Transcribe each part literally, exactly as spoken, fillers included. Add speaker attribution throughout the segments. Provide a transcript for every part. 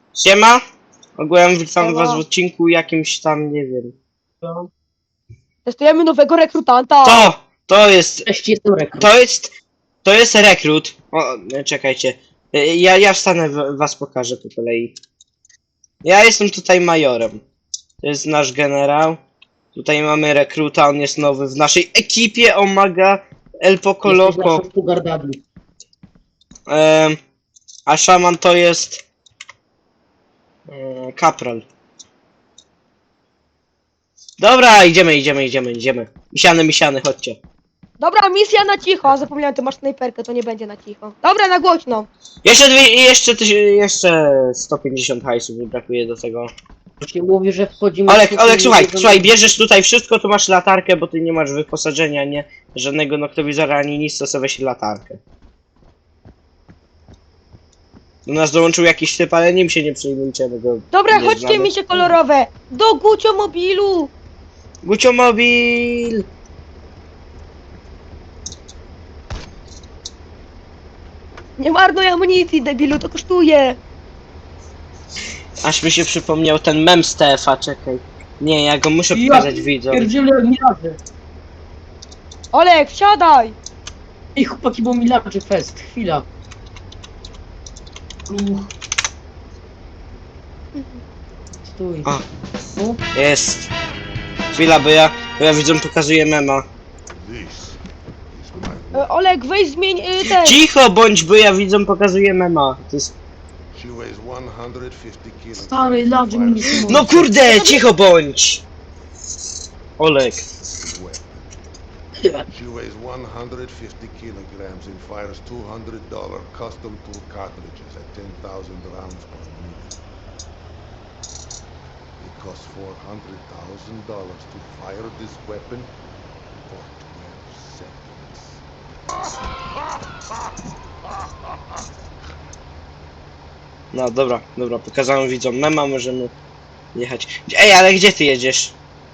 Speaker 1: Siema! Ogółem witam
Speaker 2: Siema.
Speaker 1: was w odcinku jakimś tam, nie wiem.
Speaker 2: No. Testujemy nowego rekrutanta.
Speaker 1: To! To jest...
Speaker 3: Cześć, jestem rekrut.
Speaker 1: To jest... To jest rekrut. O, e, czekajcie. E, Ja, ja wstanę, w- was pokażę po kolei. Ja jestem tutaj majorem. To jest nasz generał. Tutaj mamy rekruta, on jest nowy w naszej ekipie, omaga El Poco
Speaker 3: Jesteś
Speaker 1: Loco.
Speaker 3: naszą Sugar Daddy.
Speaker 1: Em, a szaman to jest... e, Kapral. Dobra, idziemy, idziemy, idziemy, idziemy. Misiany, misiany, chodźcie.
Speaker 2: Dobra, misja na cicho. A zapomniałem, ty masz snajperkę, to nie będzie na cicho. Dobra, na głośno.
Speaker 1: Jeszcze dwie, jeszcze, tyś- jeszcze sto pięćdziesiąt hajsów mi brakuje do tego.
Speaker 3: Się mówi, że wchodzimy...
Speaker 1: Olek,
Speaker 3: w-
Speaker 1: Olek, słuchaj,
Speaker 3: w-
Speaker 1: słuchaj, bierzesz tutaj wszystko, tu masz latarkę, bo ty nie masz wyposażenia, nie? Żadnego noktowizora ani nic, to sobie weź latarkę. Do nas dołączył jakiś typ, ale nim się nie przyjmujcie, bo go
Speaker 2: Dobra,
Speaker 1: nie
Speaker 2: chodźcie
Speaker 1: znamy.
Speaker 2: misie kolorowe. Do Gucio mobilu.
Speaker 1: Guciomobil!
Speaker 2: Nie marnuj amunicji, debilu, to kosztuje.
Speaker 1: Aż mi się przypomniał ten mem z T F a, czekaj. Nie, ja go muszę
Speaker 3: Ja
Speaker 1: pokazać widzom.
Speaker 3: Pierdzielę milarzy.
Speaker 2: Olek, wsiadaj.
Speaker 3: Ej, chłopaki, bo milarzy fest. Chwila. Uch. Stój.
Speaker 1: A.
Speaker 3: No,
Speaker 1: Jest. Chwila, bo ja, bo ja widzom pokazuję mema.
Speaker 2: E, Olek, weź zmień y, ten.
Speaker 1: Cicho bądź, bo ja widzom pokazuję mema. To jest...
Speaker 4: She weighs one hundred fifty kilos.
Speaker 3: stary, larzy mi nie są
Speaker 1: No kurde, cicho bądź! Olek.
Speaker 4: She weighs one hundred fifty kilograms and fires two hundred dollar custom tool cartridges at ten thousand rounds per minute. It costs four hundred thousand dollars to fire this weapon for twelve seconds.
Speaker 1: No dobra, dobra, pokazałem widzom mema, możemy jechać. Ej, ale gdzie ty jedziesz?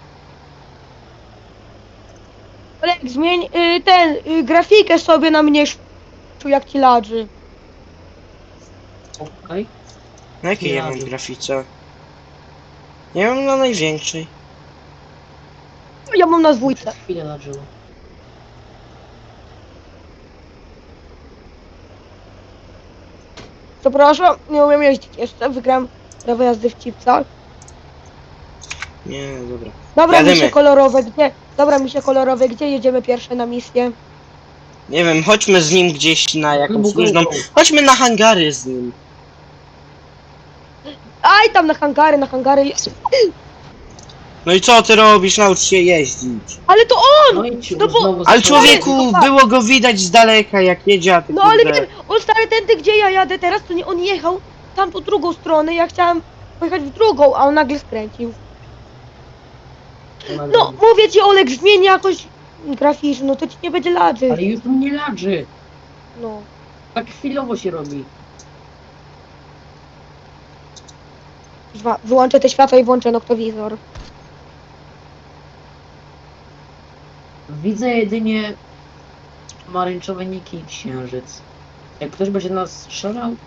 Speaker 2: Olek, zmień y, ten, y, grafikę sobie na mniejszą, jak ci ladży.
Speaker 3: Okej.
Speaker 1: Na jakiej ja mam
Speaker 3: Jadu.
Speaker 1: grafice? Ja mam na największej.
Speaker 2: Ja mam na dwójce.
Speaker 3: Chwilę larzyło.
Speaker 2: Przepraszam, nie umiem jeździć jeszcze. Wygrałem prawo jazdy w Cipcach.
Speaker 1: Nie, dobra.
Speaker 2: Dobra,
Speaker 1: Jadymy.
Speaker 2: misie kolorowe, gdzie? Dobra, misie kolorowe, gdzie jedziemy pierwsze na misję?
Speaker 1: Nie wiem, chodźmy z nim gdzieś na jakąś
Speaker 3: Go, go,
Speaker 1: luźną...
Speaker 3: go.
Speaker 1: Chodźmy na hangary z nim.
Speaker 2: Aj, tam na hangary, na hangary.
Speaker 1: No i co ty robisz? Naucz się jeździć.
Speaker 2: Ale to on!
Speaker 3: No i ci
Speaker 2: No bo-
Speaker 3: znowu
Speaker 1: Ale
Speaker 3: zaczęło-
Speaker 1: człowieku,
Speaker 2: tak.
Speaker 1: było go widać z daleka jak jedzie, a ty
Speaker 2: No ale
Speaker 1: kurde.
Speaker 2: wiem, on stary tędy, gdzie ja jadę teraz, to nie on jechał tam po drugą stronę, ja chciałam pojechać w drugą, a on nagle skręcił. No, mówię ci, Olek, zmień jakoś graficznie, no to ci nie będzie ladzy.
Speaker 3: Ale już mnie larzy.
Speaker 2: No.
Speaker 3: Tak chwilowo się robi.
Speaker 2: Dwa- Wyłączę te światła i włączę noktowizor.
Speaker 3: Widzę jedynie pomarańczowe niki i księżyc. Jak ktoś będzie nas strzelał,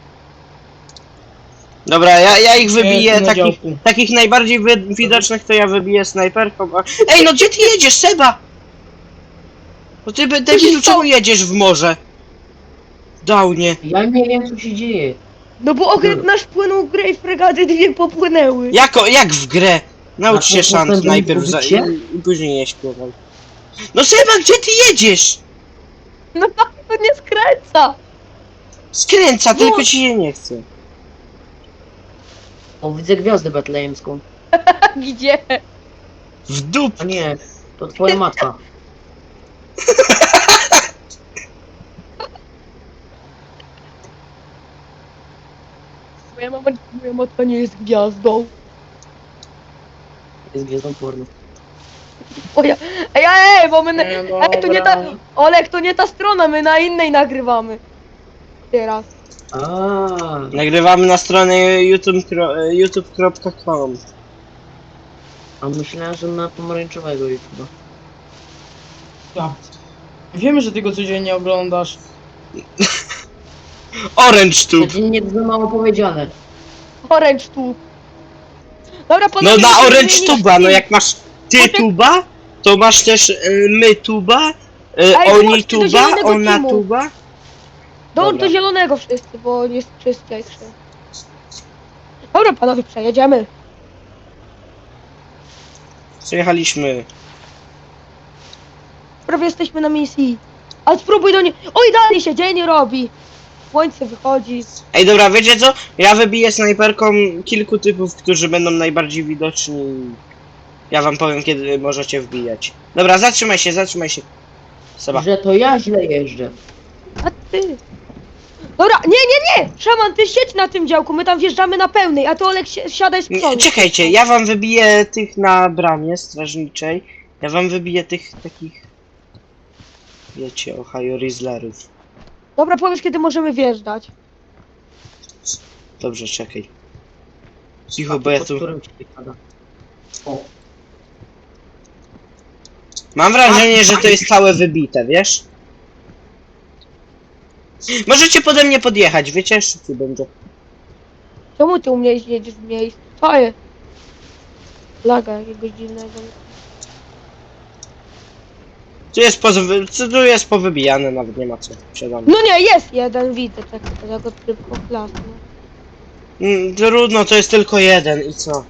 Speaker 1: Dobra, ja, ja ich
Speaker 3: Ej,
Speaker 1: wybiję,
Speaker 3: na
Speaker 1: takich,
Speaker 3: działku.
Speaker 1: takich najbardziej wy, widocznych to ja wybiję snajperką. A... Ej, no gdzie ty jedziesz, Seba? No ty, by- debilu, czemu jedziesz w morze? Downie.
Speaker 3: ja nie wiem co się dzieje.
Speaker 2: No bo okręt nasz płynął w grę i fregaty dwie popłynęły.
Speaker 1: Jako, jak w grę? Naucz
Speaker 3: A
Speaker 1: się
Speaker 3: to
Speaker 1: szant
Speaker 3: postępem
Speaker 1: najpierw za,
Speaker 3: mówicie?
Speaker 1: i, i później nie śpiewaj. No Seba, gdzie ty jedziesz?
Speaker 2: No to nie skręca.
Speaker 1: Skręca,
Speaker 2: No.
Speaker 1: tylko ci się nie chce.
Speaker 3: O, widzę gwiazdę betlejemską.
Speaker 2: Gdzie?
Speaker 1: W dup.
Speaker 3: A nie, to twoja matka.
Speaker 2: Moja mama, moja matka nie jest gwiazdą.
Speaker 3: Jest gwiazdą porno.
Speaker 2: O ja, ej, ej, bo my, na,
Speaker 3: E,
Speaker 2: ej, to nie ta, Olek, to nie ta strona, my na innej nagrywamy. Teraz.
Speaker 3: A,
Speaker 1: Nagrywamy na stronie youtube kropka com.
Speaker 3: a myślałem, że na pomarańczowego YouTube'a.
Speaker 5: Ja. Wiemy, że ty go codziennie oglądasz.
Speaker 1: Orange tube.
Speaker 3: Codziennie to za mało powiedziane.
Speaker 2: Orange tu. Dobra,
Speaker 1: No
Speaker 2: panowie,
Speaker 1: na
Speaker 2: musimy
Speaker 1: Orange
Speaker 2: zmienić
Speaker 1: tuba, no
Speaker 2: team.
Speaker 1: jak masz ty
Speaker 2: Poczek-
Speaker 1: tuba, to masz też y, my tuba, y,
Speaker 2: Ej,
Speaker 1: oni
Speaker 2: włączcie do
Speaker 1: tuba,
Speaker 2: zielonego
Speaker 1: ona
Speaker 2: teamu.
Speaker 1: tuba.
Speaker 2: Dołącz
Speaker 1: Dobra.
Speaker 2: do zielonego wszyscy, bo nie jest czysty jeszcze. Dobra, panowie, przejedziemy.
Speaker 1: Przyjechaliśmy.
Speaker 2: Prawie jesteśmy na misji. Ale spróbuj do niej. Oj, dalej się dzień robi. Słońce wychodzi.
Speaker 1: Ej, dobra, wiecie co? Ja wybiję snajperką kilku typów, którzy będą najbardziej widoczni. Ja wam powiem, kiedy możecie wbijać. Dobra, zatrzymaj się, zatrzymaj się. Seba.
Speaker 3: Że to ja źle jeżdżę.
Speaker 2: A ty. Dobra, nie, nie, nie! Szaman, ty siedź na tym działku, my tam wjeżdżamy na pełnej, a ty Olek si siadaj z
Speaker 1: Nie,
Speaker 2: przodu.
Speaker 1: czekajcie, ja wam wybiję tych na bramie strażniczej. Ja wam wybiję tych takich... Wiecie, Ohio Rizzlerów.
Speaker 2: Dobra, powiedz, kiedy możemy wjeżdżać.
Speaker 1: Dobrze, czekaj. Cicho, bo ja
Speaker 3: Pod
Speaker 1: tu...
Speaker 3: którym ci pada. O,
Speaker 1: Mam wrażenie, że to jest całe wybite, wiesz? Możecie pode mnie podjechać, wiecie? Szybciej będzie.
Speaker 2: Czemu ty u mnie jedziesz w miejscu? Co jest? Laga jakiegoś dziwnego.
Speaker 1: Tu jest, poz... tu jest powybijane, nawet nie ma co. Siadamy.
Speaker 2: No nie, jest jeden, widzę, tak, ja go szybko klasnę.
Speaker 1: Mm, trudno, to jest tylko jeden i co?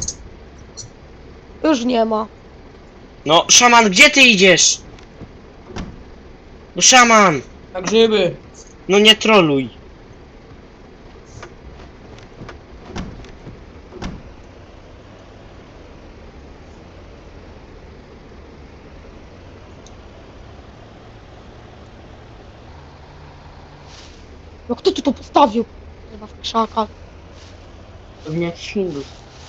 Speaker 2: Już nie ma.
Speaker 1: No, szaman, gdzie ty idziesz? No, szaman!
Speaker 5: Na grzyby.
Speaker 1: No nie troluj.
Speaker 2: No kto tu to postawił? Chyba w krzakach.
Speaker 3: pewnie jakiś Hindus.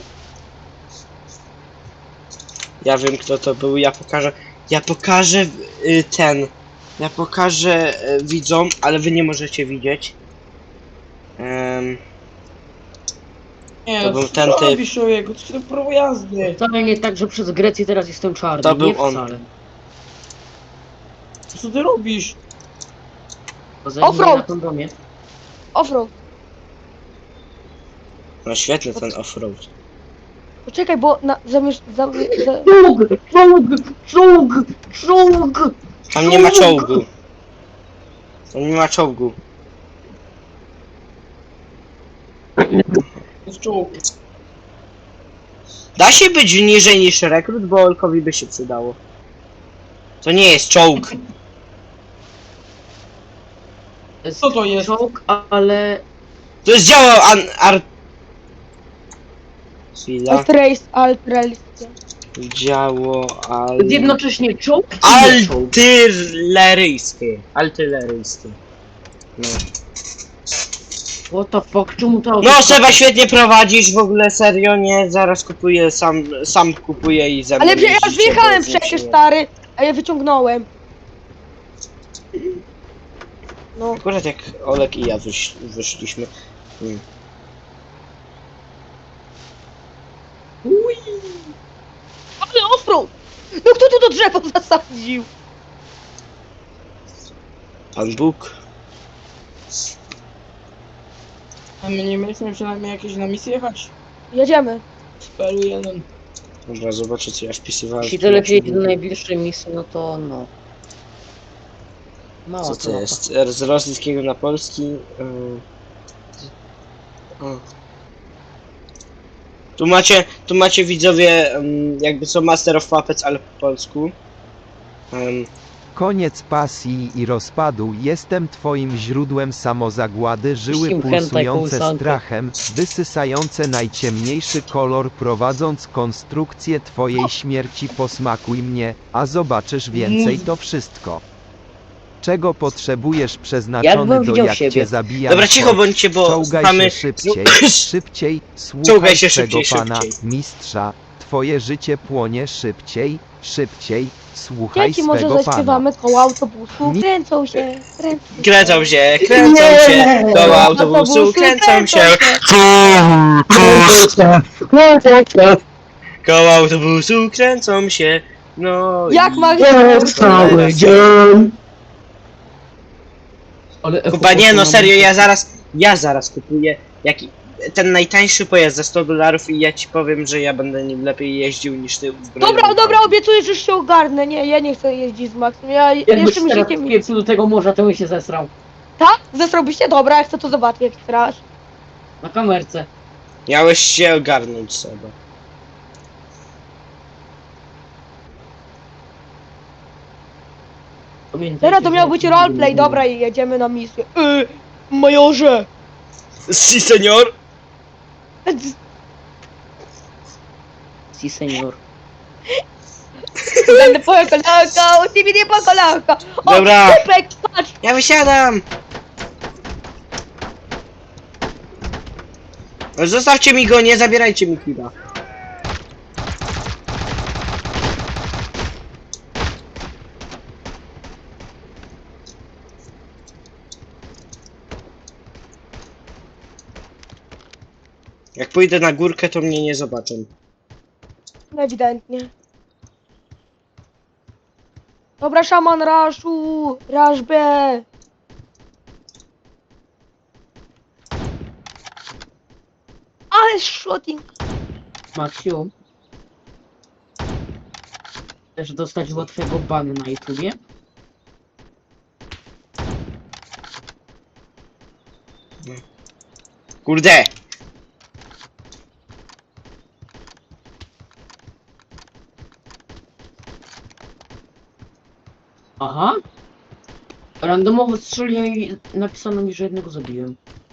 Speaker 1: Ja wiem, kto to był, ja pokażę... Ja pokażę y, ten... Ja pokażę y, widzom, ale wy nie możecie widzieć. Em,
Speaker 5: Nie,
Speaker 1: To
Speaker 5: no,
Speaker 1: był
Speaker 5: co
Speaker 1: ten
Speaker 5: ty
Speaker 1: typ.
Speaker 5: robisz, człowieku? Co ty prawo jazdy?
Speaker 3: Wcale nie tak, że przez Grecję teraz jestem czarny.
Speaker 1: To był
Speaker 3: nie
Speaker 1: on.
Speaker 3: wcale.
Speaker 5: Co ty robisz?
Speaker 3: Bo zajmę
Speaker 2: Offroad!
Speaker 3: na kondomie.
Speaker 2: Offroad.
Speaker 1: no świetny ten offroad.
Speaker 2: Poczekaj, bo na, zamierz... Zam, za,
Speaker 3: Czołg! Czołg! Czołg! Czołg!
Speaker 1: Tam nie ma czołgu. Tam nie ma czołgu.
Speaker 5: To jest czołg.
Speaker 1: Da się być niżej niż rekrut, bo Olkowi by się przydało. To nie jest czołg.
Speaker 3: To jest
Speaker 5: Co to jest?
Speaker 3: czołg, ale...
Speaker 1: To jest działo an... ar... Chwila.
Speaker 2: alt race, alt race.
Speaker 1: Działo al...
Speaker 3: Jednocześnie czołg i nie czołg.
Speaker 1: Artyleryjskie. Artyleryjskie. No.
Speaker 3: What the fuck? Czemu to auto...
Speaker 1: No Seba, świetnie prowadzisz, w ogóle serio, nie? Zaraz kupuję, sam, sam kupuję i ze mną
Speaker 2: Ale że ja już
Speaker 1: jeździcie,
Speaker 2: wjechałem
Speaker 1: bo jest
Speaker 2: przecież,
Speaker 1: nie-
Speaker 2: stary, a ja wyciągnąłem. No.
Speaker 1: Akurat jak Olek i ja wysz, wyszliśmy. Hmm.
Speaker 2: Ale offroad! No kto tu to drzewo zasadził?
Speaker 1: Pan Bóg.
Speaker 5: A my nie mieliśmy przynajmniej jakieś na misję jechać?
Speaker 2: Jedziemy.
Speaker 5: Spelu jeden.
Speaker 1: Dobra, zobaczę co ja wpisywałem.
Speaker 3: Jeśli
Speaker 1: w
Speaker 3: to lepiej
Speaker 1: tłumaczeniu.
Speaker 3: do najbliższej misji, no to no. Mała
Speaker 1: Co to
Speaker 3: mapa.
Speaker 1: jest? Z rosyjskiego na polski. Yy... O. Tu macie, tu macie widzowie, ym, jakby co Master of Puppets, ale po polsku. Ym,
Speaker 6: Koniec pasji i rozpadu, jestem twoim źródłem samozagłady, żyły
Speaker 3: Puścił hentai
Speaker 6: pulsujące
Speaker 3: kołysankę.
Speaker 6: strachem, wysysające najciemniejszy kolor, prowadząc konstrukcję twojej śmierci. Posmakuj mnie, a zobaczysz więcej. To wszystko, czego potrzebujesz, przeznaczony
Speaker 3: Jakbym
Speaker 6: do
Speaker 3: widział
Speaker 6: jak
Speaker 3: siebie.
Speaker 6: cię zabijam.
Speaker 1: Dobra, cicho bądźcie, bo
Speaker 6: Czołgaj
Speaker 1: mamy...
Speaker 6: się szybciej, szybciej, słuchaj
Speaker 1: Czołgaj się
Speaker 6: swego
Speaker 1: szybciej,
Speaker 6: pana,
Speaker 1: szybciej.
Speaker 6: mistrza, twoje życie płonie szybciej, szybciej, słuchaj
Speaker 2: Dzieci, może
Speaker 6: swego pana.
Speaker 2: zaśpiewamy koło autobusu.
Speaker 6: Mi-
Speaker 2: Kręcą się, kręcą się.
Speaker 1: Kręcą się, kręcą się, do autobusu kręcą się, koło autobusu kręcą się, no
Speaker 2: Jak
Speaker 1: i...
Speaker 2: ma
Speaker 3: Cały dzień! Ale echo
Speaker 1: Kupa, nie no
Speaker 3: poszło na
Speaker 1: serio,
Speaker 3: muzykę.
Speaker 1: ja zaraz, ja zaraz kupuję, jaki... ten najtańszy pojazd za sto dolarów i ja ci powiem, że ja będę nim lepiej jeździł niż ty uzbrojony.
Speaker 2: Dobra, dobra, obiecuję, że się ogarnę. Nie, ja nie chcę jeździć z Maxem. Ja
Speaker 3: Jakbyś
Speaker 2: jeszcze mi
Speaker 3: teraz
Speaker 2: życie...
Speaker 3: wpieprzył do tego morza, to bym się zesrał.
Speaker 2: Tak? Zesrałbyś się? Dobra, ja chcę to zobaczyć, jak strasz.
Speaker 3: Na kamerce.
Speaker 1: Miałeś się ogarnąć sobie.
Speaker 3: Pamiętajcie,
Speaker 2: Teraz to
Speaker 3: że-
Speaker 2: miał być roleplay, dobra, i jedziemy na misję. Yy, majorze!
Speaker 1: Si, senior!
Speaker 3: Si, senior.
Speaker 2: Będę po kolanka, u ciebie nie po kolanka. O,
Speaker 1: Dobra.
Speaker 2: typek, patrz!
Speaker 1: Ja wysiadam! Zostawcie mi go, nie zabierajcie mi killa. Jak pójdę na górkę, to mnie nie zobaczą.
Speaker 2: No ewidentnie. Dobra, szaman raszu, rasz B. Ale shooting.
Speaker 3: Maksiu. Chcesz dostać łatwego bana na YouTubie?
Speaker 1: Kurde!
Speaker 3: Aha. Randomowo strzeliłem i napisano mi, że jednego zabiłem.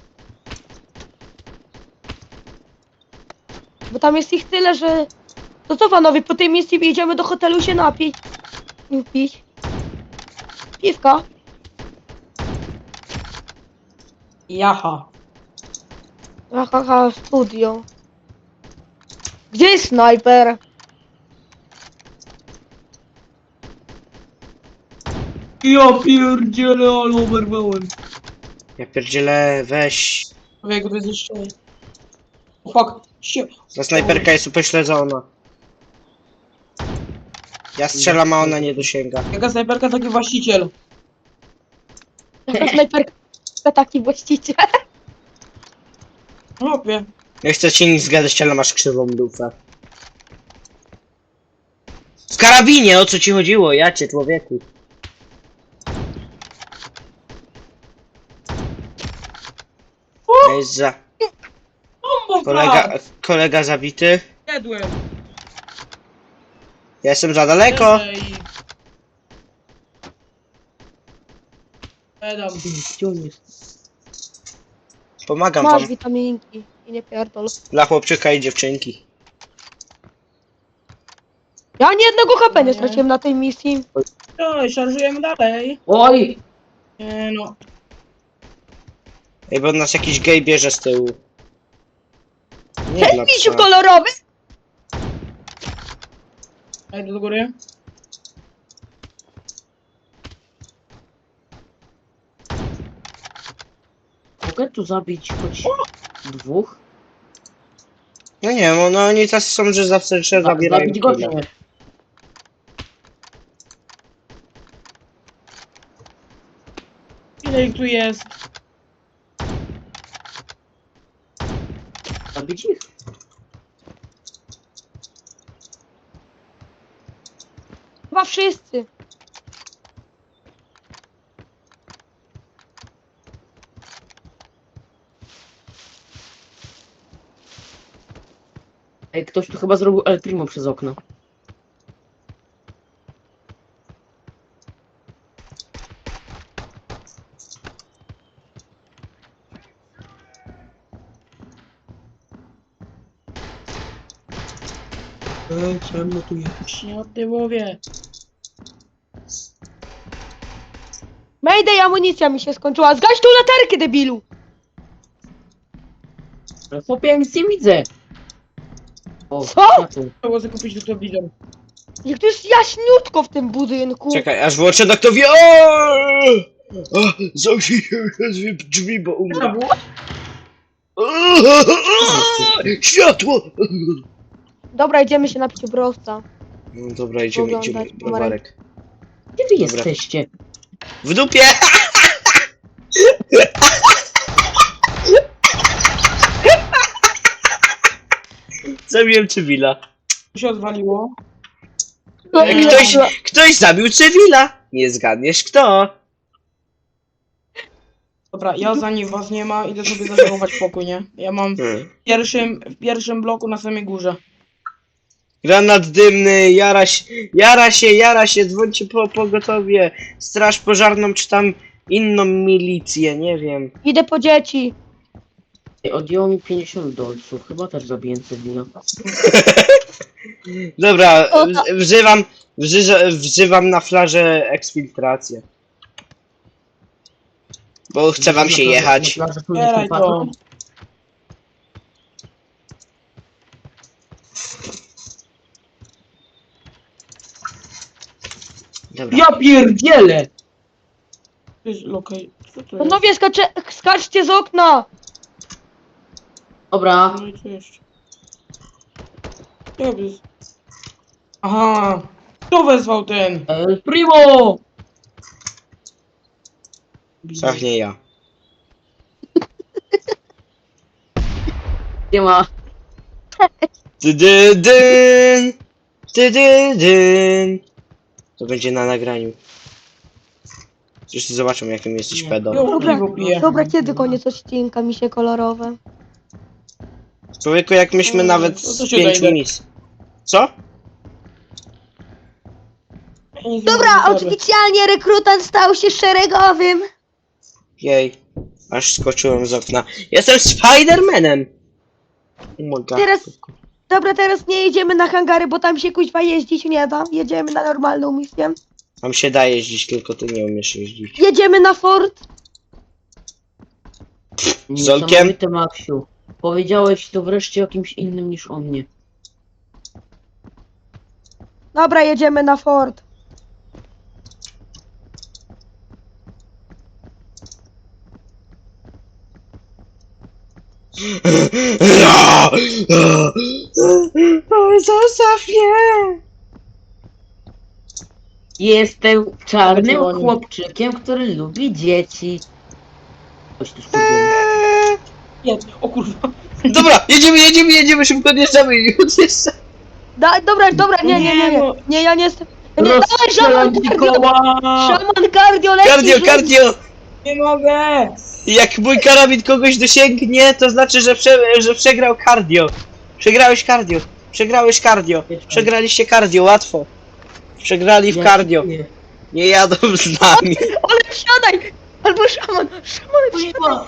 Speaker 2: Bo tam jest ich tyle, że... To co panowie, po tej misji jedziemy do hotelu się napić. Nie pić. Piwka.
Speaker 5: Jaha.
Speaker 2: Haha, studio. Gdzie jest snajper?
Speaker 5: Ja pierdzielę, ale oberwałem.
Speaker 1: Ja pierdzielę, weź.
Speaker 5: Człowieku, to jest jeszcze... O fuck, się...
Speaker 1: Ta snajperka jest upośledzona. Ja strzelam, a ona nie dosięga.
Speaker 5: Jaka snajperka, taki właściciel.
Speaker 2: Jaka snajperka, taki właściciel.
Speaker 5: Chłopie.
Speaker 1: Nie chcę ci nic zgadać, ale masz krzywą dupę. W karabinie, o co ci chodziło? Ja cię, człowieku. Jest za...
Speaker 5: Bombo,
Speaker 1: Kolega, kolega zabity.
Speaker 5: Jadłem.
Speaker 1: Ja jestem za daleko.
Speaker 5: Ej. Edam.
Speaker 3: Gdzie on jest?
Speaker 1: Pomagam
Speaker 2: Masz
Speaker 1: wam.
Speaker 2: witaminki i nie pierdol.
Speaker 1: Dla chłopczyka i dziewczynki.
Speaker 2: Ja ani jednego H P nie
Speaker 5: Nie.
Speaker 2: straciłem na tej misji.
Speaker 5: Oj, szarżujemy dalej.
Speaker 3: Oj!
Speaker 5: Nie no.
Speaker 1: Ej, bo nas jakiś gej bierze z tyłu. Nie dla
Speaker 2: Misiu
Speaker 1: psa.
Speaker 2: kolorowy!
Speaker 5: Ja idę do góry.
Speaker 3: Mogę tu zabić choć dwóch?
Speaker 1: No nie wiem, no oni tacy są, że zawsze że
Speaker 3: Za-
Speaker 1: zabierają
Speaker 3: Zabić go czy
Speaker 1: killa.
Speaker 3: nie?
Speaker 5: Ile ich tu jest?
Speaker 3: Zabić ich?
Speaker 2: Chyba wszyscy.
Speaker 3: Ej, ktoś tu chyba zrobił El Primo przez okno.
Speaker 5: Ej, ciemno tu jest. Nie o tyłowie.
Speaker 2: Mayday, amunicja mi się skończyła. Zgaś tą latarkę, debilu!
Speaker 3: Ale chłopie, ja nic nie widzę. O,
Speaker 2: Co?
Speaker 3: światło.
Speaker 5: Trzeba sobie kupić noktowizor.
Speaker 2: Jak tu jest jaśniutko w tym budynku.
Speaker 1: Czekaj, aż włączę doktowi. Zamknij się drzwi, bo umrę. Światło!
Speaker 2: Dobra, idziemy się napić browca.
Speaker 1: No dobra, idziemy,
Speaker 2: Oglądać
Speaker 1: idziemy.
Speaker 2: numerek.
Speaker 1: Browarek.
Speaker 3: Gdzie wy
Speaker 1: Dobra.
Speaker 3: jesteście?
Speaker 1: W dupie! Zabiłem cywila.
Speaker 5: Co się odwaliło?
Speaker 2: No,
Speaker 5: Eee,
Speaker 1: Ktoś, ktoś zabił cywila. Nie zgadniesz kto.
Speaker 5: Dobra, ja zanim was nie ma, idę sobie zażałować pokój, nie? Ja mam w
Speaker 1: Hmm.
Speaker 5: pierwszym, w pierwszym bloku na samej górze.
Speaker 1: Granat dymny, jara się, jara się, jara się, dzwońcie po pogotowie. Straż pożarną czy tam inną milicję, nie wiem.
Speaker 2: Idę po dzieci.
Speaker 3: Ej, odjęło mi pięćdziesiąt dolców. Chyba też zabiję cywila.
Speaker 1: Dobra,
Speaker 2: O,
Speaker 1: w- wzywam, wzyza- wzywam na flarze eksfiltrację. Bo chce wam się jechać.
Speaker 5: Zbieraj to.
Speaker 1: Dobra.
Speaker 3: Ja pierdzielę!
Speaker 5: To jest lokaj. Co to jest?
Speaker 2: Panowie, skacze, skaczcie z okna!
Speaker 3: Dobra.
Speaker 5: No i co jeszcze? Jak jest? Aha! Kto wezwał ten?
Speaker 3: El Primo!
Speaker 1: Ach, nie ja.
Speaker 3: Nie ma.
Speaker 1: Ty dy dyn, ty dy dyn. To będzie na nagraniu. Wszyscy zobaczą jakim jesteś
Speaker 3: Nie.
Speaker 1: pedo.
Speaker 5: Jo,
Speaker 2: Dobra,
Speaker 5: piwo piję.
Speaker 2: dobra, kiedy koniec odcinka, misie kolorowe?
Speaker 1: Człowieku, jak myśmy
Speaker 5: Mm,
Speaker 1: nawet
Speaker 5: no to
Speaker 1: z
Speaker 5: się
Speaker 1: pięciu
Speaker 5: dojdę.
Speaker 1: mis. Co?
Speaker 5: Ja nic nie
Speaker 2: Dobra,
Speaker 5: mówię sobie.
Speaker 2: oficjalnie rekrutant stał się szeregowym.
Speaker 1: Jej. Aż skoczyłem z okna. Jestem Spidermanem! Oh my God.
Speaker 2: Teraz, dobra, teraz nie jedziemy na hangary, bo tam się kuźwa jeździć nie da. Jedziemy na normalną misję.
Speaker 1: Tam się da jeździć, tylko ty nie umiesz jeździć.
Speaker 2: Jedziemy na fort.
Speaker 1: Zolkiem?
Speaker 3: Niesamowite, Maksiu. Powiedziałeś to wreszcie o kimś innym niż o mnie.
Speaker 2: Dobra, jedziemy na fort.
Speaker 1: Zostaw mnie!
Speaker 3: Jestem czarnym
Speaker 5: Chodziło o nim.
Speaker 3: chłopczykiem, który lubi dzieci. Coś tu skupiłem.
Speaker 5: Nie, o kurwa.
Speaker 1: Dobra, jedziemy, jedziemy, jedziemy, szybko odjeżdżamy i odjeżdżamy.
Speaker 2: Da, dobra, dobra, nie, nie, nie, nie.
Speaker 5: no.
Speaker 2: Nie, ja nie jestem. Nie, dawaj,
Speaker 3: Rozstrzelam
Speaker 2: szaman
Speaker 3: ci
Speaker 2: cardio.
Speaker 3: koła!
Speaker 2: Szaman cardio leci.
Speaker 1: Kardio,
Speaker 2: rzuć.
Speaker 1: kardio!
Speaker 5: Nie mogę!
Speaker 1: Jak mój karabin kogoś dosięgnie, to znaczy, że, prze, że przegrał kardio. Przegrałeś kardio. Przegrałeś kardio. Przegraliście kardio, łatwo. Przegrali w
Speaker 3: Ja
Speaker 1: kardio.
Speaker 3: dziękuję.
Speaker 1: Nie jadą z nami.
Speaker 2: Ale wsiadaj! Albo szaman, szaman wsiadaj.
Speaker 3: Kurwa.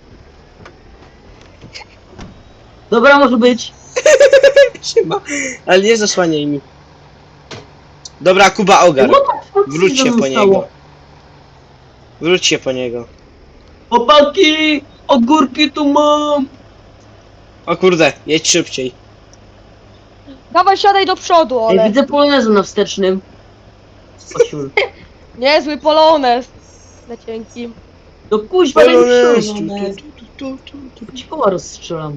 Speaker 3: Dobra, może być.
Speaker 1: Siema. Ale nie zasłaniaj mi. Dobra, Kuba ogar.
Speaker 3: What the fuck
Speaker 1: Wróć się po
Speaker 3: zostało?
Speaker 1: niego. Wróć się po niego.
Speaker 3: Chłopaki! Ogórki tu mam!
Speaker 1: O kurde, jedź szybciej.
Speaker 2: Dawaj, siadaj do przodu,
Speaker 3: Ej,
Speaker 2: ale.
Speaker 3: widzę polonezę na wstecznym. Osiul.
Speaker 2: Niezły polonez. Na cienkim.
Speaker 3: No kuźwa, ale
Speaker 1: Polonez.
Speaker 3: już
Speaker 1: Tu, tu, tu, tu.
Speaker 3: ci koła rozstrzelam.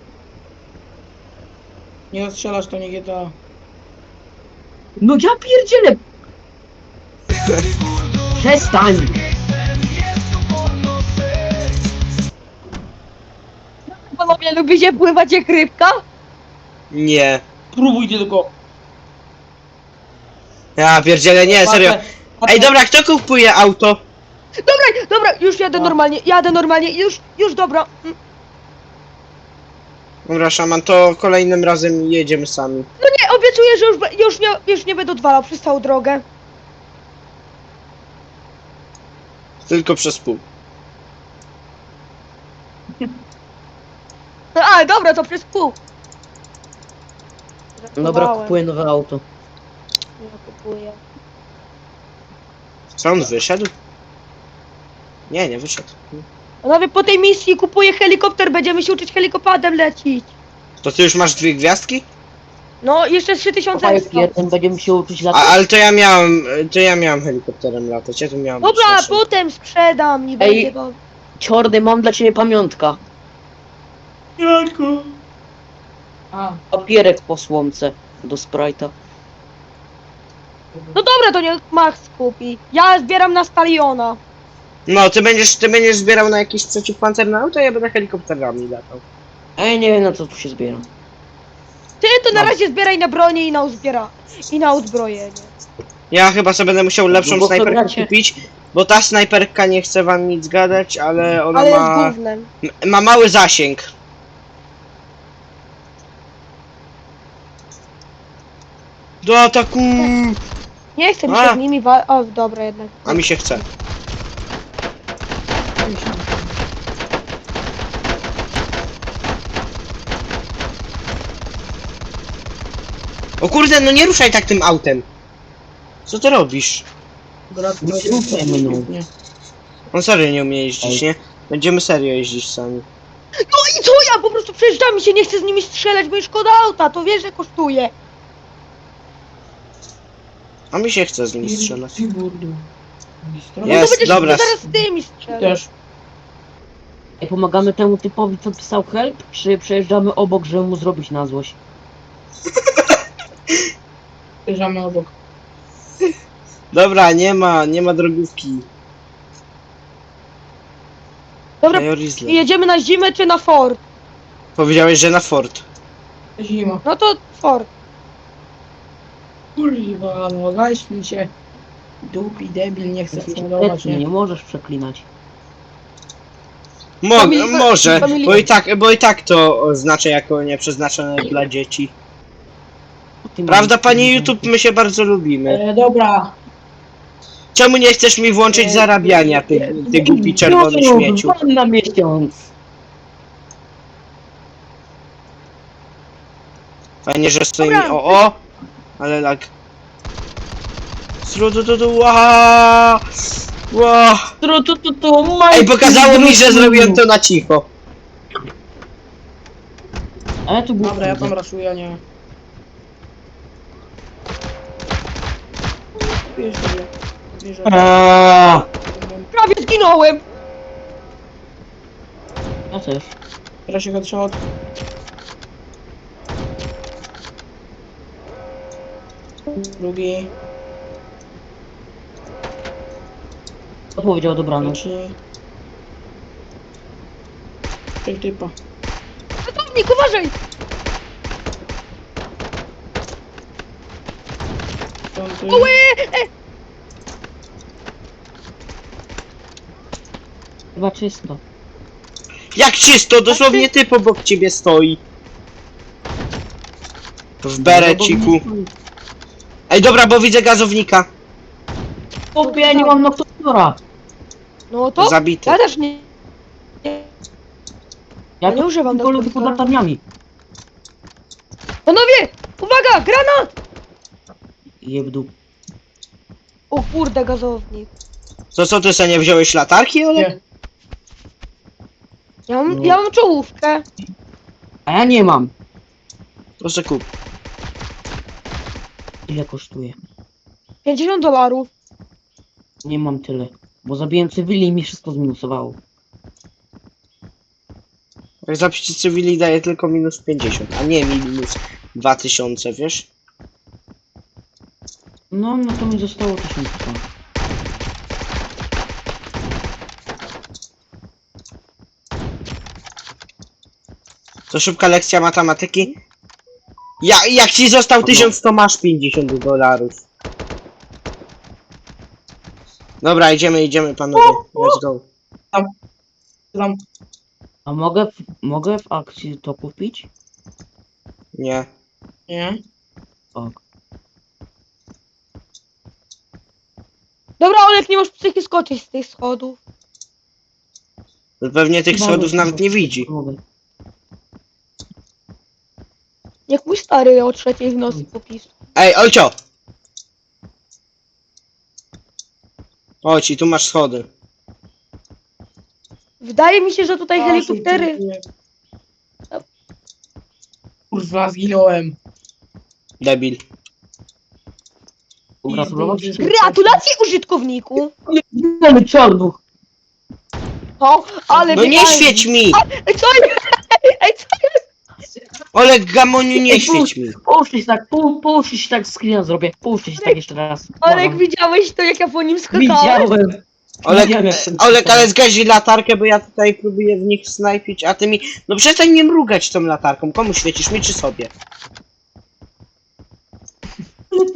Speaker 5: Nie strzelasz, to nie G T A.
Speaker 3: No ja pierdzielę! Przestań!
Speaker 2: Panowie, lubicie pływać jak rybka?
Speaker 1: Nie.
Speaker 5: Próbuj tylko.
Speaker 1: Ja pierdzielę, nie, serio. Ej, dobra, kto kupuje auto?
Speaker 2: Dobra, dobra, już jadę
Speaker 5: No.
Speaker 2: normalnie, jadę normalnie, już, już dobra. Mm,
Speaker 1: Dobra, szaman, to kolejnym razem jedziemy sami.
Speaker 2: Nie, obiecuję, że już, be- już, nie, już nie będę odwalał przez całą drogę.
Speaker 1: Tylko przez pół.
Speaker 2: A, dobra, to przez pół.
Speaker 3: Dobra,
Speaker 2: Żartowałem.
Speaker 3: kupuję nowe auto.
Speaker 2: Ja kupuję.
Speaker 1: Co, on wyszedł? Nie, nie wyszedł.
Speaker 2: Panowie, po tej misji kupuję helikopter, będziemy się uczyć helikopterem lecić.
Speaker 1: To ty już masz dwie gwiazdki?
Speaker 2: No, jeszcze trzy tysiące
Speaker 3: Kopaj
Speaker 2: ekstra.
Speaker 3: jeden, będziemy się uczyć
Speaker 1: A,
Speaker 3: latać.
Speaker 1: ale to ja miałem, to ja miałem helikopterem latać, ja tu miałem być
Speaker 2: Dobra,
Speaker 1: naszym.
Speaker 2: potem sprzedam i
Speaker 3: Ej.
Speaker 2: będzie do...
Speaker 3: Ciordy, mam dla ciebie pamiątka.
Speaker 5: Janko. A,
Speaker 3: Papierek po słomce do Sprite'a.
Speaker 2: No dobra, to niech Max kupi. Ja zbieram na Staliona.
Speaker 1: No, ty będziesz, ty będziesz zbierał na jakieś przeciwpancerne auto, a ja będę helikopterami latał.
Speaker 3: Ej, nie wiem na co tu się zbiera.
Speaker 2: Ty to na
Speaker 3: No.
Speaker 2: razie zbieraj na bronię i na uzbiera... i na uzbrojenie.
Speaker 1: Ja chyba sobie będę musiał lepszą
Speaker 3: No bo to
Speaker 1: snajperkę
Speaker 3: gracie.
Speaker 1: kupić, bo ta snajperka nie chce wam nic gadać, ale ona
Speaker 2: Ale jest
Speaker 1: ma,
Speaker 2: gównem.
Speaker 1: m- ma mały zasięg. Do ataku!
Speaker 2: Nie chcę mi
Speaker 1: A.
Speaker 2: się z nimi wa... O, dobra jednak.
Speaker 1: A mi się chce. O kurde, no nie ruszaj tak tym autem. Co ty robisz?
Speaker 3: Nie ruszaj mnie, no.
Speaker 1: On serio nie umie jeździć, nie? Będziemy serio jeździć sami.
Speaker 2: No i co ja po prostu przejeżdżam i się nie chcę z nimi strzelać, bo mi szkoda auta, to wiesz, że kosztuje.
Speaker 1: A mi się chce z nimi strzelać.
Speaker 2: No
Speaker 1: Jest,
Speaker 2: to będziesz
Speaker 1: dobra.
Speaker 2: zaraz z tymi strzelać.
Speaker 5: Też.
Speaker 3: Ej, pomagamy temu typowi, co pisał help, czy przejeżdżamy obok, żeby mu zrobić na złość?
Speaker 5: Bierzemy obok.
Speaker 1: Dobra, nie ma, nie ma drogówki.
Speaker 2: Dobra,
Speaker 1: Major Isle.
Speaker 2: jedziemy na zimę czy na Ford?
Speaker 1: Powiedziałeś, że na Ford.
Speaker 5: Zima.
Speaker 2: No to Ford.
Speaker 5: Kurwa, no weź mi się. Dupi debil, nie chce
Speaker 3: Jesteś
Speaker 5: fundować,
Speaker 3: obecny,
Speaker 5: nie?
Speaker 3: nie możesz przeklinać.
Speaker 1: Mo
Speaker 2: Famili-
Speaker 1: może,
Speaker 2: famili-
Speaker 1: bo i tak, bo i tak to oznacza jako nieprzeznaczone dla dzieci.
Speaker 3: Ty
Speaker 1: Prawda,
Speaker 3: mówisz,
Speaker 1: panie
Speaker 3: że-
Speaker 1: YouTube, my się bardzo lubimy.
Speaker 5: E, dobra.
Speaker 1: Czemu nie chcesz mi włączyć
Speaker 5: E,
Speaker 1: zarabiania, ty, ty głupi czerwony
Speaker 3: No,
Speaker 1: śmieciu?
Speaker 3: pan na miesiąc.
Speaker 1: Fajnie, że stoi mi,
Speaker 2: Dobra.
Speaker 1: o o, ale lag. Srudududu, ła, ła.
Speaker 3: Tu, tu, tu, tu,
Speaker 1: Ej, pokazało mi, że zrobiłem to na cicho.
Speaker 3: Ale tu było.
Speaker 5: Dobra, ja tam raszuję, nie. Bierz mnie. Bierz mnie.
Speaker 3: Eee,
Speaker 2: Prawie zginąłem.
Speaker 3: Ja też.
Speaker 5: Teraz się headshot. Drugi.
Speaker 3: Co powiedział dobranoc?
Speaker 5: Trzeci. Pięć typa.
Speaker 2: Ratownik, uważaj.
Speaker 5: Piąty.
Speaker 2: Oły!
Speaker 3: Chyba czysto.
Speaker 1: Jak czysto, dosłownie typ obok ciebie stoi. W bereciku. Ej, dobra, bo widzę gazownika.
Speaker 3: Chłopie, ja nie mam noktotora.
Speaker 2: No to?
Speaker 1: Zabity.
Speaker 2: Ja też nie... nie.
Speaker 3: Ja
Speaker 2: nie
Speaker 3: tu
Speaker 2: używam
Speaker 3: tylko lubię pod
Speaker 2: noktotora.
Speaker 3: latarniami.
Speaker 2: Panowie! Uwaga! Granat!
Speaker 3: Jebdu.
Speaker 2: O kurde, gazownik.
Speaker 1: To co, ty sobie nie wziąłeś latarki, Olek?
Speaker 5: Nie.
Speaker 2: Ja mam,
Speaker 3: No.
Speaker 2: ja mam czołówkę.
Speaker 3: A ja nie mam.
Speaker 1: To se kup.
Speaker 3: Ile kosztuje?
Speaker 2: pięćdziesiąt dolarów.
Speaker 3: Nie mam tyle. Bo zabiłem cywili i mi wszystko zminusowało.
Speaker 1: Jak zapisz cywili daje tylko minus pięćdziesiąt, a nie minus dwa tysiące, wiesz?
Speaker 3: No, no to mi zostało tysiąc.
Speaker 1: To szybka lekcja matematyki. Ja, jak ci został tysiąc, to masz pięćdziesiąt dolarów. Dobra, idziemy, idziemy panowie. Let's go.
Speaker 5: Tam.
Speaker 3: A mogę w, mogę w akcji to kupić?
Speaker 1: Nie.
Speaker 5: Nie.
Speaker 3: Tak.
Speaker 2: Dobra, Olek, nie masz psychy skoczyć z tych schodów.
Speaker 1: To pewnie tych
Speaker 3: Chyba
Speaker 1: schodów
Speaker 3: nie.
Speaker 1: nawet nie widzi.
Speaker 3: Mogę.
Speaker 2: Jak mój stary o trzeciej w nocy popisł.
Speaker 1: Ej, Olcio! Chodź, i tu masz schody.
Speaker 2: Wydaje mi się, że tutaj
Speaker 5: A,
Speaker 2: helikoptery...
Speaker 5: dziękuję. Kurwa, zginąłem.
Speaker 1: Debil.
Speaker 3: Pogratulować ci.
Speaker 2: Gratulacje użytkowniku!
Speaker 3: Mamy czarnuch.
Speaker 2: O, ale
Speaker 1: No nie
Speaker 2: wydaje-
Speaker 1: świeć mi!
Speaker 2: Ej, co jest? Ej, co jest?
Speaker 1: Olek Gamoniu, nie
Speaker 3: Ej,
Speaker 1: świeć mi!
Speaker 3: Połóżcie się tak, pół, połóżcie się tak, screena zrobię. Połóżcie się tak jeszcze raz.
Speaker 2: Olek,
Speaker 3: Błagam.
Speaker 2: widziałeś to, jak ja po nim skakałem?
Speaker 3: Widziałem.
Speaker 1: Olek,
Speaker 3: Widziałem, jak ten-
Speaker 1: Olek, ale zgaś latarkę, bo ja tutaj próbuję w nich snajpić, a ty mi... No przestań mnie mrugać tą latarką. Komu świecisz, mi czy sobie?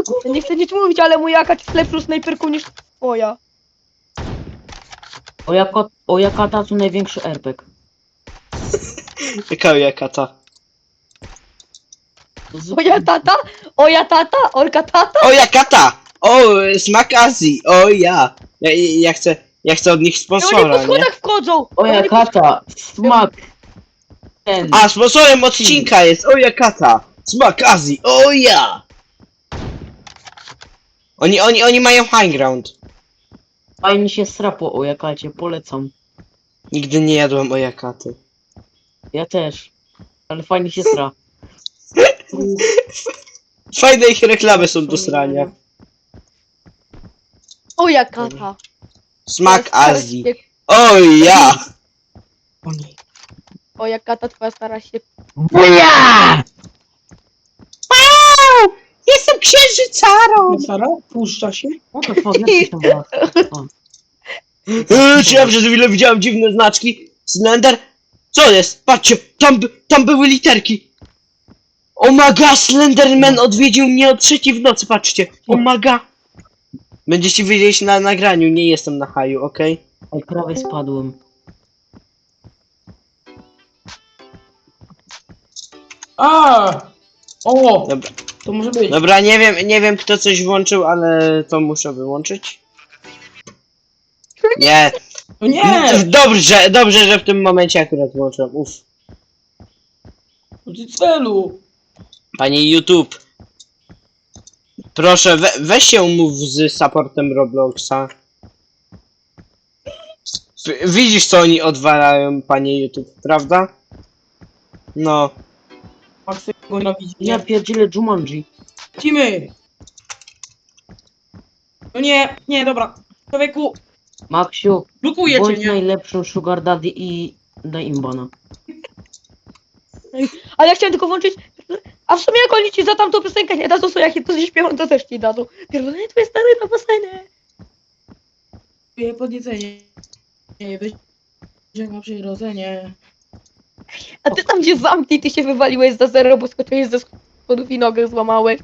Speaker 2: Ja nie chcę nic mówić, ale mój akacz jest lepszą snajperką niż twoja.
Speaker 3: O jako, o jaka ta tu największy airbag?
Speaker 1: Jaka jaka ta?
Speaker 3: To z-
Speaker 2: Moja tata? Oja tata? Orka tata?
Speaker 1: O, jaka ta! O, smak Azji! O, ja! Ja, ja chcę, ja chcę od nich
Speaker 2: I oni po
Speaker 1: sponsora, nie?
Speaker 2: schodach wchodzą!
Speaker 3: O
Speaker 2: Oni po-
Speaker 3: jaka ta, smak. Ten.
Speaker 1: A, sponsorem odcinka jest o, jaka ta! Smak Azji! O, ja! Oni, oni, oni mają high ground.
Speaker 3: Fajnie się srapo o jakacie, polecam.
Speaker 1: Nigdy nie jadłem o jakaty.
Speaker 3: Ja też. Ale fajnie się sra.
Speaker 1: Fajne ich reklamy są do srania.
Speaker 2: Oja kata.
Speaker 1: Smak
Speaker 2: Twoja stara
Speaker 1: Azji.
Speaker 2: się-
Speaker 1: O, ja!
Speaker 5: O nie.
Speaker 2: Oja kata, twoja stara się...
Speaker 3: Buja!
Speaker 1: Wow! Jestem księżycarą!
Speaker 5: Sara, puszcza się.
Speaker 3: What the fuck, jak ty tam była? O.
Speaker 1: Eee, czy ja przez chwilę widziałem dziwne znaczki? Slender? Co jest? Patrzcie, tam, by- tam były literki. Omaga, Slenderman odwiedził mnie o trzeciej w nocy, patrzcie. Omaga. Będziecie wiedzieć na nagraniu, nie jestem na haju, okej?
Speaker 3: Oj, prawie spadłem.
Speaker 5: A! O!
Speaker 1: Dobra.
Speaker 5: To może być.
Speaker 1: Dobra, nie wiem, nie wiem kto coś włączył, ale to muszę wyłączyć. Nie.
Speaker 5: No nie!
Speaker 1: Dobrze, dobrze, że w tym momencie akurat włączyłem. Uff.
Speaker 5: No ty celu!
Speaker 1: Panie YouTube. Proszę, we, weź się umów z supportem Robloxa. W- Widzisz co oni odwalają, panie YouTube, prawda? No.
Speaker 5: Maksy go nienawidzi.
Speaker 3: Ja pierdzielę Jumanji.
Speaker 5: Lecimy! No nie, nie, dobra. Człowieku,
Speaker 3: Maksiu,
Speaker 5: blokujecie,
Speaker 3: bądź
Speaker 5: nie?
Speaker 3: najlepszą sugar daddy i daj im bana.
Speaker 2: Ale ja chciałem tylko włączyć... A w sumie jak oni ci za tamtą piosenkę nie dadzą, to jak je to śpiewam, to też ci dadzą. Pierdolę, twoje stare na basenie.
Speaker 5: Czuję podniecenie. Nie, weź na przyrodzenie.
Speaker 2: A ty tam gdzie zamknij, ty się wywaliłeś za zero, bo skoczyłeś ze schodów i nogę złamałeś.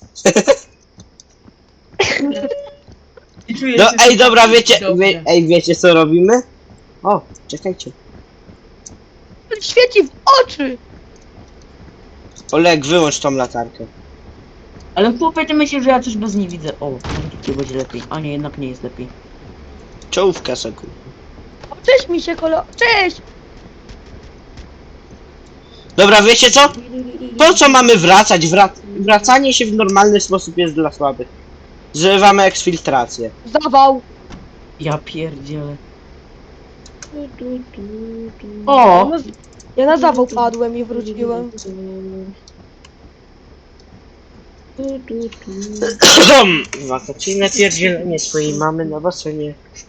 Speaker 5: I czuję
Speaker 1: No
Speaker 5: się
Speaker 1: ej, dobra,
Speaker 5: dobrze.
Speaker 1: wiecie, wie, ej, wiecie co robimy? O, czekajcie.
Speaker 2: Świeci w oczy!
Speaker 1: Oleg, wyłącz tą latarkę.
Speaker 3: Ale chłopie, ty myślisz, że ja coś bez niej widzę. O, może tutaj będzie lepiej. A nie, jednak nie jest lepiej.
Speaker 1: Czołówka sekund.
Speaker 2: O, cześć mi się kolo... Cześć!
Speaker 1: Dobra, wiecie co? Po co mamy wracać? Wrac wracanie się w normalny sposób jest dla słabych. Zrywamy eksfiltrację.
Speaker 2: Zawał!
Speaker 3: Ja pierdzielę.
Speaker 2: Ja
Speaker 3: O!
Speaker 2: na, ja na zawał padłem i wróciłem.
Speaker 1: Wakacyjne pierdzielenie swojej mamy na basenie.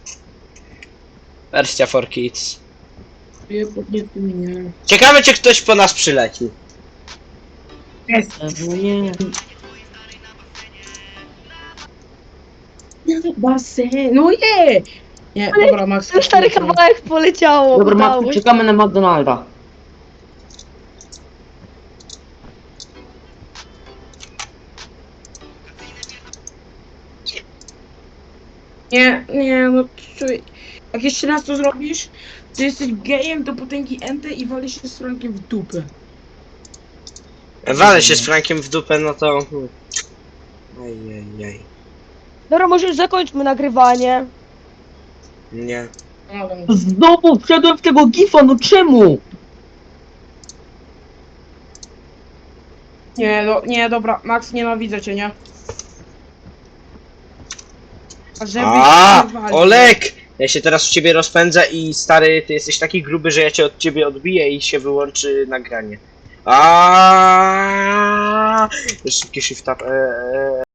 Speaker 1: Wersja for kids.
Speaker 5: Czuję podniecenie.
Speaker 1: Ciekawe czy ktoś po nas przyleci.
Speaker 5: Jest.
Speaker 3: No nie.
Speaker 5: Basen, no nie! Nie,
Speaker 2: Ale
Speaker 5: dobra, Max.
Speaker 2: Ten stary kawałek poleciało.
Speaker 3: Dobra,
Speaker 2: udało
Speaker 3: Max,
Speaker 2: się.
Speaker 3: czekamy na McDonalda.
Speaker 5: Nie, nie, no czuj. Jak jeszcze raz to zrobisz, to jesteś gejem do potęgi N T i walisz się z Frankiem w dupę.
Speaker 1: Walę się z Frankiem w dupę, no to... hmm. Ejejej.
Speaker 2: Dobra, może już zakończmy nagrywanie.
Speaker 1: Nie.
Speaker 5: No, ale-
Speaker 3: Znowu wszedłem w tego gifa, no czemu?
Speaker 5: Nie, no, nie, dobra, Max, nienawidzę cię, nie? A żebyś
Speaker 1: A,
Speaker 5: nie walił.
Speaker 1: Olek! Ja się teraz w ciebie rozpędzę i stary, ty jesteś taki gruby, że ja cię od ciebie odbiję i się wyłączy nagranie. A, szybki shift up. Eee,